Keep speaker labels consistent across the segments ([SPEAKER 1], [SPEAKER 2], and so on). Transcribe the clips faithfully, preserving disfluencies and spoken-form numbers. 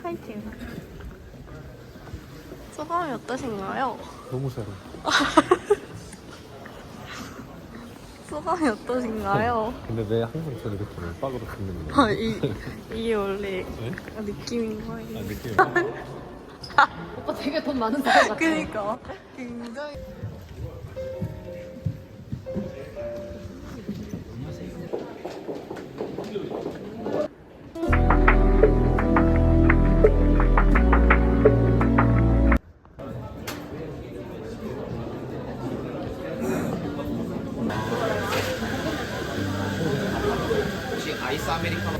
[SPEAKER 1] 파이팅. 소감이 어떠신가요?
[SPEAKER 2] 너무 싫어.
[SPEAKER 1] 소감이 어떠신가요?
[SPEAKER 2] 근데 왜 항상 저를 이렇게 빡으로 듣는 거야?
[SPEAKER 1] 아, 이, 이게 원래
[SPEAKER 2] 네?
[SPEAKER 1] 느낌인 거예요.
[SPEAKER 2] 아, 느낌이.
[SPEAKER 3] 오빠 되게 돈 많은 사람 같아.
[SPEAKER 1] 그니까. 굉장히.
[SPEAKER 4] 혹시 아이스 아메리카노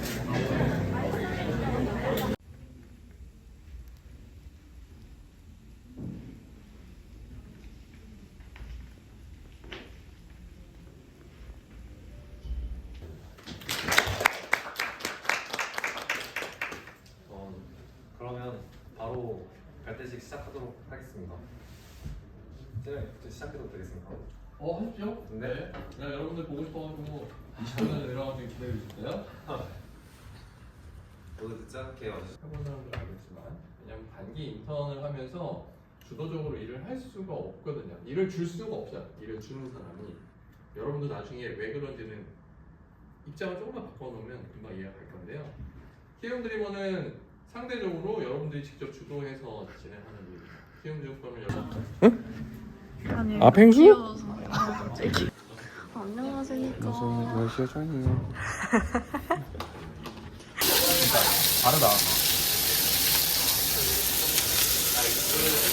[SPEAKER 2] 어, 그러면 바로 발대식 시작하도록 하겠습니다. 네, 이제 시작해도 되겠습니까?
[SPEAKER 5] 어, 하십시오.
[SPEAKER 2] 네.
[SPEAKER 5] 네, 여러분들 보고 싶어가지고 이십 분을 내려가서 기다려주실까요?
[SPEAKER 2] 모두 늦지 않게 와주시죠.
[SPEAKER 5] 해본 사람들은 알겠지만 왜냐면 단기 인턴을 하면서 주도적으로 일을 할 수가 없거든요. 일을 줄 수가 없어요. 일을 주는 사람이. 여러분도 나중에 왜 그런지는 입장을 조금만 바꿔놓으면 금방 이해가 갈 건데요. 키움 드리머는 상대적으로 여러분들이 직접 주도해서 진행하는 일입니다. 키움 증권을 여러분
[SPEAKER 1] 아니,
[SPEAKER 2] 아, 펭수?
[SPEAKER 1] 귀여워서. 갑자기. 안녕하십니까.
[SPEAKER 2] 날씨가 짱이에요.
[SPEAKER 5] 다르다.